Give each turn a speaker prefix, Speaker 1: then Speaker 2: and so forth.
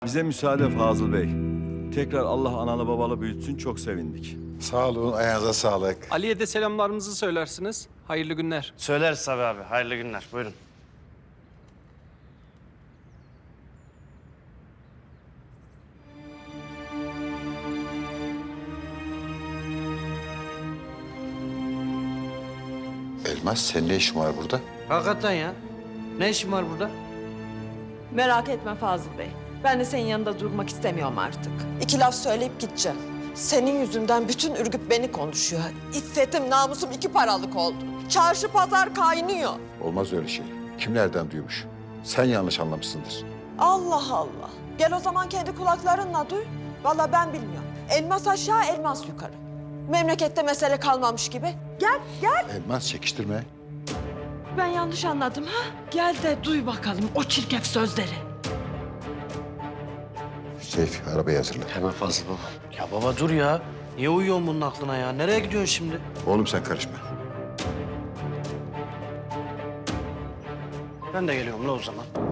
Speaker 1: Bize müsaade Fazıl Bey. Tekrar Allah analı babalı büyütsün, çok sevindik.
Speaker 2: Sağ olun, ayağınıza sağlık.
Speaker 3: Ali'ye de selamlarımızı söylersiniz. Hayırlı günler.
Speaker 4: Söyleriz tabii abi. Hayırlı günler. Buyurun.
Speaker 2: Elmas, senin ne işin var burada?
Speaker 4: Hakikaten ya. Ne işin var burada?
Speaker 5: Merak etme Fazıl Bey. Ben de senin yanında durmak istemiyorum artık. İki laf söyleyip gideceğim. Senin yüzünden bütün Ürgüp beni konuşuyor. İffetim, namusum iki paralık oldu. Çarşı pazar kaynıyor.
Speaker 2: Olmaz öyle şey. Kim nereden duymuş? Sen yanlış anlamışsındır.
Speaker 5: Allah Allah. Gel o zaman kendi kulaklarınla duy. Vallahi ben bilmiyorum. Elmas aşağı, elmas yukarı. Memlekette mesele kalmamış gibi. Gel, gel.
Speaker 2: Elmas, çekiştirme.
Speaker 5: Ben yanlış anladım ha? Gel de duy bakalım o çirkef sözleri.
Speaker 2: Seyfi, arabayı hazırla.
Speaker 4: Hemen Fazıl baba. Ya baba dur ya. Niye uyuyorsun bunun aklına ya? Nereye gidiyorsun şimdi?
Speaker 2: Oğlum sen karışma.
Speaker 4: Ben de geliyorum la o zaman.